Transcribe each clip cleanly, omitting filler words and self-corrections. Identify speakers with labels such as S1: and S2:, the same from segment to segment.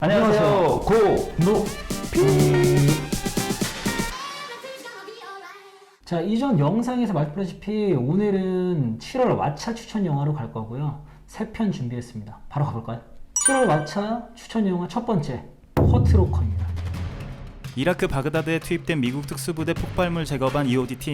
S1: 안녕하세요. 고노피.
S2: 자, 이전 영상에서 말씀드렸다시피 오늘은 7월 왓챠 추천 영화로 갈 거고요. 3편 준비했습니다. 바로 가볼까요? 7월 왓챠 추천 영화 첫 번째, 허트로커입니다.
S1: 이라크 바그다드에 투입된 미국 특수부대 폭발물 제거반 EOD 팀.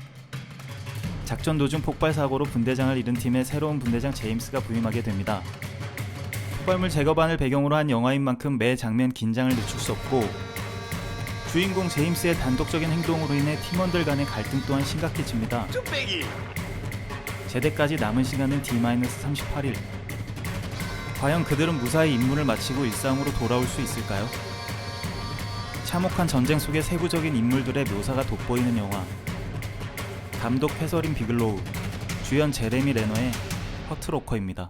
S1: 작전 도중 폭발 사고로 분대장을 잃은 팀에 새로운 분대장 제임스가 부임하게 됩니다. 폭발물 제거반을 배경으로 한 영화인 만큼 매 장면 긴장을 늦출 수 없고, 주인공 제임스의 단독적인 행동으로 인해 팀원들 간의 갈등 또한 심각해집니다. 제대까지 남은 시간은 D-38일. 과연 그들은 무사히 임무를 마치고 일상으로 돌아올 수 있을까요? 참혹한 전쟁 속의 세부적인 인물들의 묘사가 돋보이는 영화. 감독 패서린 비글로우, 주연 제레미 레너의 허트로커입니다.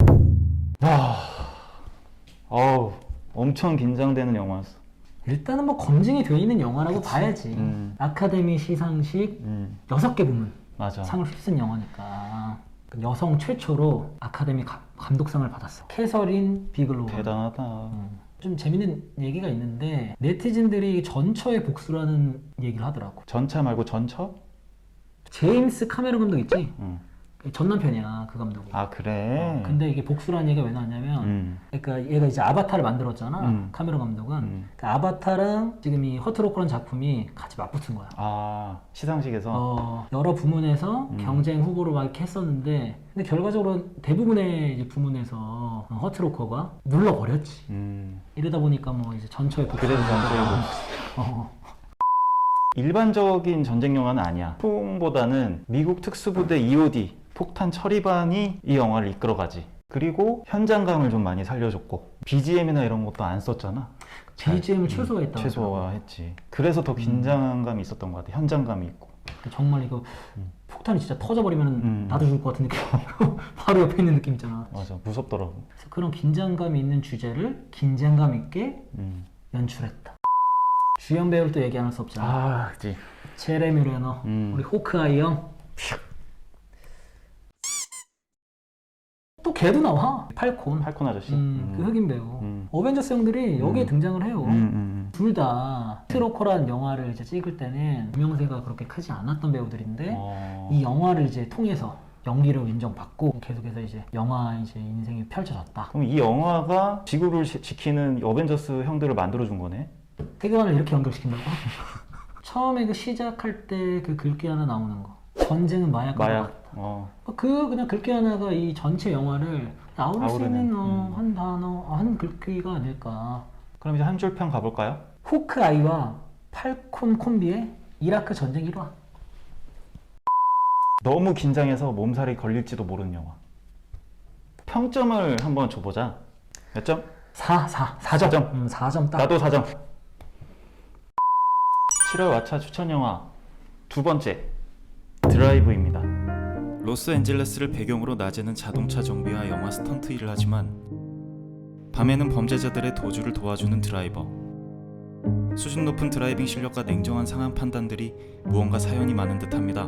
S1: 엄청 긴장되는 영화였어.
S2: 일단은 뭐 검증이 되어 있는 영화라고 봐야지. 아카데미 시상식 6개 부문
S1: 맞아.
S2: 상을 휩쓴 영화니까. 여성 최초로 아카데미 감독상을 받았어. 캐서린 비글로우.
S1: 대단하다.
S2: 좀 재밌는 얘기가 있는데 네티즌들이 전처의 복수라는 얘기를 하더라고.
S1: 전차 말고 전처?
S2: 제임스 카메론 감독 있지?
S1: 응.
S2: 전남편이야 그 감독이.
S1: 아 그래?
S2: 근데 이게 복수라는 얘기가 왜 나왔냐면 그러니까 얘가 이제 아바타를 만들었잖아. 카메론 감독은. 그 아바타랑 지금 이 허트로커라는 작품이 같이 맞붙은 거야.
S1: 아 시상식에서?
S2: 여러 부문에서 경쟁 후보로 막 이렇게 했었는데 근데 결과적으로 대부분의 이제 부문에서 허트로커가 눌러버렸지. 이러다 보니까 뭐 이제 전처의 복수.
S1: 그래서 전처의 복수. 일반적인 전쟁 영화는 아니야. 풍보다는 미국 특수부대 EOD 폭탄 처리반이 이 영화를 이끌어가지. 그리고 현장감을 좀 많이 살려줬고 BGM이나 이런 것도 안 썼잖아.
S2: BGM을 최소화했다.
S1: 최소화했지. 그래서 더 긴장감이 있었던 것 같아. 현장감이 있고.
S2: 정말 이거 폭탄이 진짜 터져버리면 나도 죽을 것 같은 느낌. 바로 옆에 있는 느낌 있잖아.
S1: 맞아, 무섭더라고.
S2: 그래서 그런 긴장감이 있는 주제를 긴장감 있게 연출했다. 주연 배우를 또 얘기 안 할 수 없잖아.
S1: 아, 그치.
S2: 제레미 레너, 우리 호크아이 형. 또 걔도 나와. 팔콘
S1: 아저씨.
S2: 그 흑인 배우. 어벤져스 형들이 여기에 등장을 해요. 둘 다 트로커라는 영화를 이제 찍을 때는 유명세가 그렇게 크지 않았던 배우들인데 이 영화를 이제 통해서 연기를 인정받고 계속해서 이제 영화 이제 인생이 펼쳐졌다.
S1: 그럼 이 영화가 지구를 지키는 어벤져스 형들을 만들어준 거네?
S2: 세계관을 이렇게 연결시킨다고? 처음에 그 시작할 때 그 글귀 하나 나오는 거. 전쟁은 마약과 같다. 그냥 글귀 하나가 이 전체 영화를 아우를 수 있는 한 단어, 한 글귀가 아닐까.
S1: 그럼 이제 한 줄 평 가볼까요?
S2: 호크아이와 팔콘 콤비의 이라크 전쟁 1화.
S1: 너무 긴장해서 몸살이 걸릴지도 모르는 영화. 평점을 한번 줘보자. 몇 점?
S2: 4점. 4점 딱.
S1: 나도 4점. 7월 왓챠 추천 영화 두 번째, 드라이브입니다. 로스앤젤레스를 배경으로 낮에는 자동차 정비와 영화 스턴트 일을 하지만 밤에는 범죄자들의 도주를 도와주는 드라이버. 수준 높은 드라이빙 실력과 냉정한 상황 판단들이 무언가 사연이 많은 듯합니다.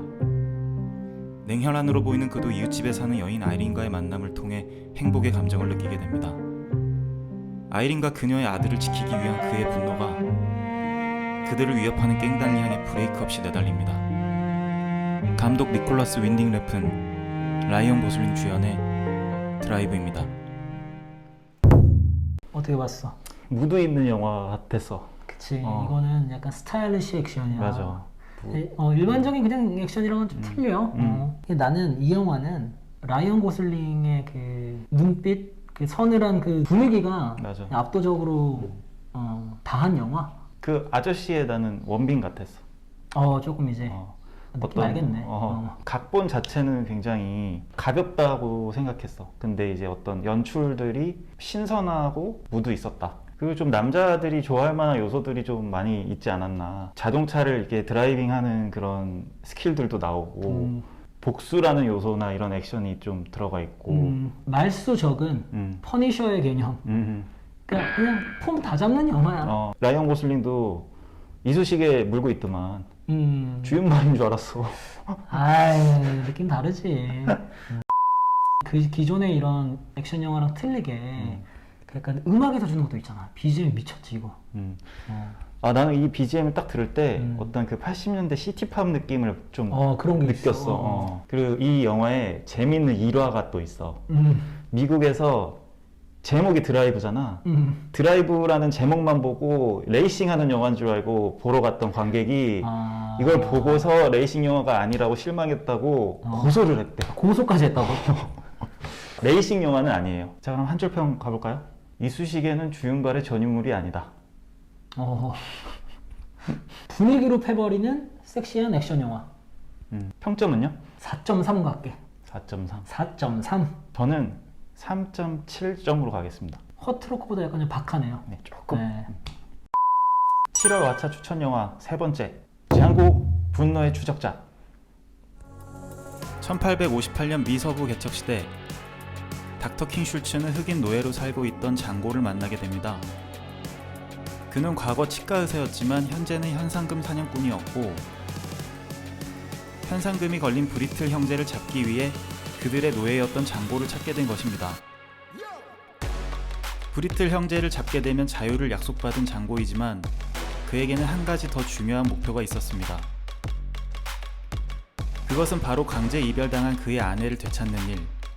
S1: 냉혈한으로 보이는 그도 이웃집에 사는 여인 아이린과의 만남을 통해 행복의 감정을 느끼게 됩니다. 아이린과 그녀의 아들을 지키기 위한 그의 분노가 그들을 위협하는 깽단을 향해 브레이크 없이 내달립니다. 감독 니콜라스 윈딩 랩은 라이언 고슬링 주연의 드라이브입니다.
S2: 어떻게 봤어?
S1: 무드 있는 영화 같았어.
S2: 그치. 이거는 약간 스타일리시 액션이야.
S1: 맞아.
S2: 일반적인 그냥 액션이랑은 좀 틀려. 나는 이 영화는 라이언 고슬링의 그 눈빛, 그 서늘한 그 분위기가
S1: 맞아.
S2: 압도적으로 다한 영화.
S1: 그 아저씨의 나는 원빈 같았어.
S2: 조금 이제 느낌 알겠네.
S1: 각본 자체는 굉장히 가볍다고 생각했어. 근데 이제 어떤 연출들이 신선하고 무드 있었다. 그리고 좀 남자들이 좋아할 만한 요소들이 좀 많이 있지 않았나. 자동차를 이렇게 드라이빙하는 그런 스킬들도 나오고 복수라는 요소나 이런 액션이 좀 들어가 있고
S2: 말수 적은 퍼니셔의 개념. 그냥 폼 다 잡는 영화야.
S1: 라이언 고슬링도 이쑤시개 물고 있더만. 주윤말인 줄 알았어.
S2: 아이, 느낌 다르지. 그 기존의 이런 액션 영화랑 틀리게 그러니까 음악에서 주는 것도 있잖아. BGM 미쳤지 이거.
S3: 아, 나는 이 BGM을 딱 들을 때 어떤 그 80년대 시티팝 느낌을 좀
S2: 그런 게
S3: 느꼈어.
S2: 있어.
S3: 그리고 이 영화에 재밌는 일화가 또 있어. 미국에서 제목이 드라이브잖아. 드라이브라는 제목만 보고 레이싱하는 영화인 줄 알고 보러 갔던 관객이 이걸 보고서 레이싱 영화가 아니라고 실망했다고 고소를 했대.
S2: 고소까지 했다고?
S3: 레이싱 영화는 아니에요. 자, 그럼 한 줄 평 가볼까요? 이쑤시개는 주윤발의 전유물이 아니다.
S2: 분위기로 패버리는 섹시한 액션 영화.
S3: 평점은요?
S2: 4.3 갈게.
S3: 4.3.
S2: 4.3.
S3: 저는 3.7점으로 가겠습니다.
S2: 허트로크보다 약간 좀 박하네요.
S3: 네, 조금.
S2: 네.
S3: 7월 왓챠 추천 영화 세 번째, 장고 분노의 추적자.
S1: 1858년 미서부 개척 시대, 닥터 킹 슐츠는 흑인 노예로 살고 있던 장고를 만나게 됩니다. 그는 과거 치과 의사였지만 현재는 현상금 사냥꾼이었고, 현상금이 걸린 브리틀 형제를 잡기 위해 그들의 노예였던 장고를 찾게 된 것입니다. 브리틀 형제를 잡게 되면 자유를 약속받은 장고이지만 그에게는 한 가지 더 중요한 목표가 있었습니다. 그것은 바로 강제 이별당한 그의 아내를 되찾는 일.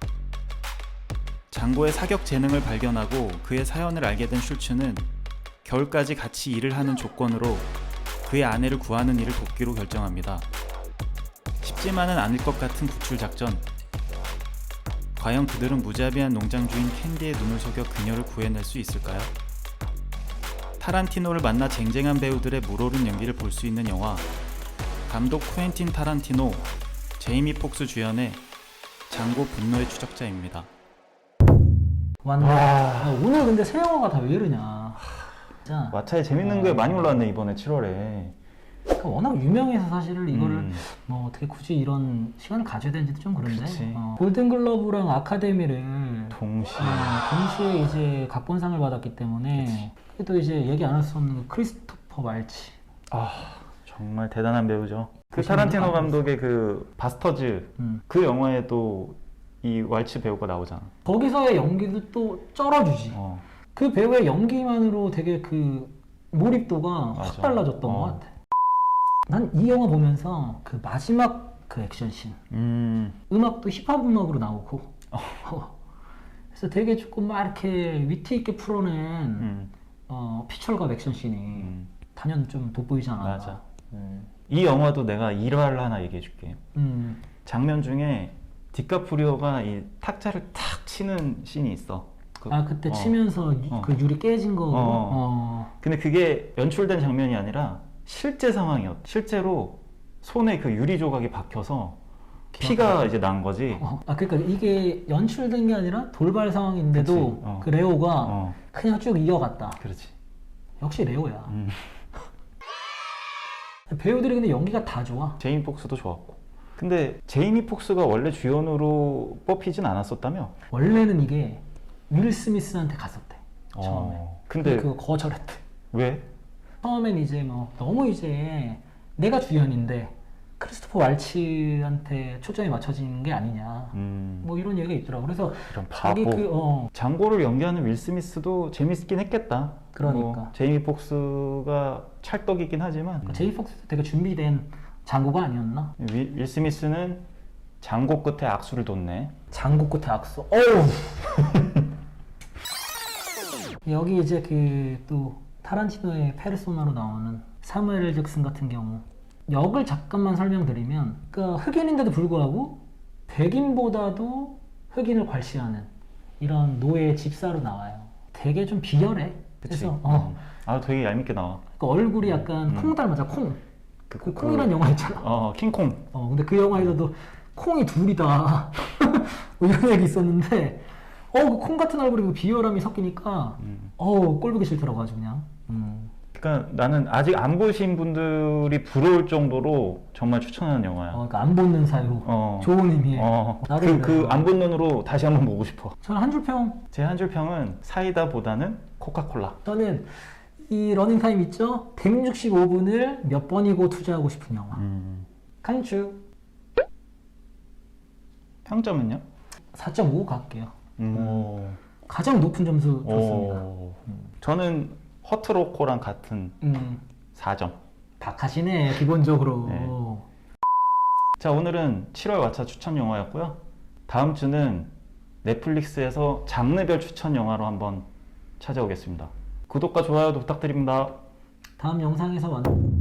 S1: 장고의 사격 재능을 발견하고 그의 사연을 알게 된 슐츠는 겨울까지 같이 일을 하는 조건으로 그의 아내를 구하는 일을 돕기로 결정합니다. 쉽지만은 않을 것 같은 구출 작전. 과연 그들은 무자비한 농장 주인 캔디의 눈을 속여 그녀를 구해낼 수 있을까요? 타란티노를 만나 쟁쟁한 배우들의 물오른 연기를 볼 수 있는 영화, 감독 쿠엔틴 타란티노, 제이미 폭스 주연의 장고 분노의 추적자입니다.
S2: 왔네. 오늘 근데 새 영화가 다 왜 이러냐. 진짜.
S3: 왓챠에 재밌는 게 많이 올라왔네 이번에 7월에.
S2: 그러니까 워낙 유명해서 사실은 이거를 뭐 어떻게 굳이 이런 시간을 가져야 되는지도 좀 그런데.
S3: 그치.
S2: 골든글러브랑 아카데미를 동시에 이제 각본상을 받았기 때문에 또 이제 얘기 안 할 수 없는 크리스토퍼 말치.
S3: 정말 대단한 배우죠. 그
S2: 보시는
S3: 타란티노
S2: 분도
S3: 감독의 그 바스터즈 그 영화에도 이 왈츠 배우가 나오잖아.
S2: 거기서의 연기도 또 쩔어주지. 그 배우의 연기만으로 되게 그 몰입도가 확 달라졌던 것 같아. 난 이 영화 보면서 그 마지막 그 액션씬 음악도 힙합 음악으로 나오고 그래서 되게 조금 막 이렇게 위트 있게 풀어낸 피처가 액션씬이 단연 좀 돋보이지 않았나.
S3: 맞아. 이 영화도 내가 일화를 하나 얘기해 줄게. 장면 중에 디카프리오가 이 탁자를 탁 치는 씬이 있어.
S2: 그때 치면서 그 유리 깨진 거.
S3: 근데 그게 연출된 장면이 아니라 실제 상황이었어. 실제로 손에 그 유리 조각이 박혀서 피가 이제 난 거지.
S2: 그러니까 이게 연출된 게 아니라 돌발 상황인데도 그 레오가 그냥 쭉 이어갔다.
S3: 그렇지.
S2: 역시 레오야. 배우들이 근데 연기가 다 좋아.
S3: 제이미 폭스도 좋았고. 근데 제이미 폭스가 원래 주연으로 뽑히진 않았었다며?
S2: 원래는 이게 윌 스미스한테 갔었대. 처음에.
S3: 근데
S2: 그거 거절했대.
S3: 왜?
S2: 처음엔 이제 뭐 너무 이제 내가 주연인데 크리스토퍼 왈츠한테 초점이 맞춰지는 게 아니냐. 뭐 이런 얘기가 있더라고. 그래서
S3: 이런
S2: 자기
S3: 바보. 장고를 연기하는 윌 스미스도 재밌긴 했겠다.
S2: 그러니까.
S3: 제이미 폭스가 찰떡이긴 하지만
S2: 제이미 폭스도 되게 준비된 장고가 아니었나?
S3: 윌 스미스는 장고 끝에 악수를 뒀네.
S2: 장고 끝에 악수. 어우. 여기 이제 그 또 타란티노의 페르소나로 나오는 사무엘 L. 잭슨 같은 경우 역을 잠깐만 설명드리면 그러니까 흑인인데도 불구하고 백인보다도 흑인을 괄시하는 이런 노예 집사로 나와요. 되게 좀 비열해.
S3: 그치.
S2: 그래서
S3: 되게 얄밉게 나와.
S2: 그러니까 얼굴이 약간 콩 닮았잖아. 콩. 그 콩이란 영화 있잖아.
S3: 킹콩.
S2: 근데 그 영화에서도 콩이 둘이다. 뭐 이런 얘기 있었는데 그 콩 같은 얼굴이 그 비열함이 섞이니까 꼴보기 싫더라고 아주 그냥.
S3: 그러니까 나는 아직 안 보신 분들이 부러울 정도로 정말 추천하는 영화야.
S2: 그러니까 안 보는 사이로 좋은 의미에.
S3: 그 안 본 눈으로 다시 한번 보고 싶어.
S2: 저는 한 줄 평.
S3: 제 한 줄 평은 사이다보다는 코카콜라.
S2: 저는 이 러닝타임 있죠? 165분을 몇 번이고 투자하고 싶은 영화. 칸츄.
S3: 평점은요?
S2: 4.5 갈게요. 가장 높은 점수 줬습니다.
S3: 저는 허트로코랑 같은 4점.
S2: 박하시네 기본적으로.
S3: 네. 자, 오늘은 7월 왓챠 추천 영화였고요. 다음 주는 넷플릭스에서 장르별 추천 영화로 한번 찾아오겠습니다. 구독과 좋아요도 부탁드립니다.
S2: 다음 영상에서 만나.